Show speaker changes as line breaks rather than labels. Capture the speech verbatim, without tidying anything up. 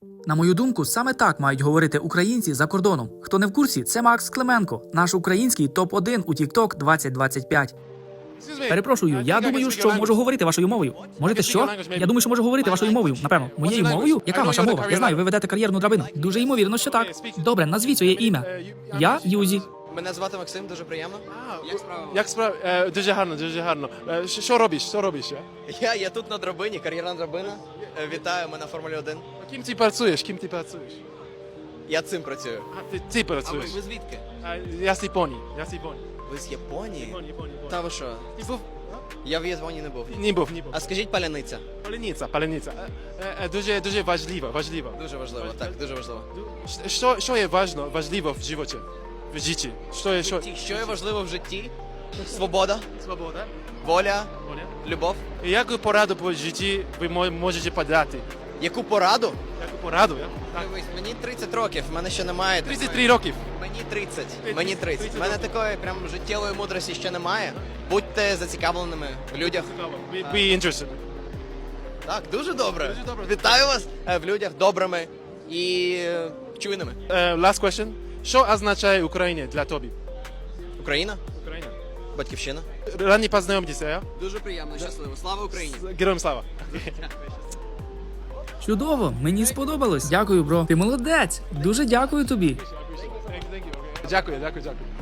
На мою думку, саме так мають говорити українці за кордоном. Хто не в курсі, це Макс Клименко, наш український топ один у TikTok двадцять двадцять п'ять. Перепрошую, я думаю, що можу говорити вашою мовою. Можете що? Я думаю, що можу говорити вашою мовою, напевно. Моєю мовою? Яка ваша мова? Я знаю, ви ведете кар'єрну драбину. Дуже ймовірно, що так. Добре, назвіть своє ім'я. Я Юзі.
Мене звати Максим, дуже приємно. Як справа?
Як справа? Е, дуже гарно, дуже гарно. Е, що, що робиш? Що робиш? Я?
Я, я тут на драбині, кар'єрна драбина. Е, Вітаю, ми на Формулі один.
Ким ти працюєш? Ким ти працюєш?
Я цим працюю.
А, ти, ти
А ви,
працюєш?
ви звідки?
А, я з Японії. Я з Японії.
Ви з Японії?
Японія, Японія, Японія.
Та ви що?
Ти був?
Я в Японії не був.
Не був, не був.
А скажіть паляниця.
Палениця, палениця. Е, е, дуже, дуже важливо, важливо.
Дуже важливо, так, дуже важливо.
Що, що є важно, важливо в животі? В житті? Що є, що?
Ті, Що є важливо в житті? Свобода,
Свобода.
воля,
Воля.
любов.
І яку пораду по житті ви мо- можете подати?
Яку пораду?
Яку пораду? Я? Так.
Дивись, мені тридцять років, в мене ще немає.
тридцять
такої-
три років.
Мені тридцять.
тридцять.
Мені тридцять.
тридцять
У мене
років.
такої прям життєвої мудрості ще немає. Будьте зацікавленими в людях.
Be, be interested.
Так, дуже добре.
Дуже добре.
Вітаю вас е, в людях добрими і е, чуйними.
Uh, last question. Що означає Україна для тобі?
Україна,
Україна.
батьківщина.
Рані познайомтеся, я?
Дуже приємно, щасливо. Слава Україні!
Героям слава.
Чудово, мені сподобалось. Дякую, бро. Ти молодець. Дуже дякую тобі.
Дякую, дякую, дякую.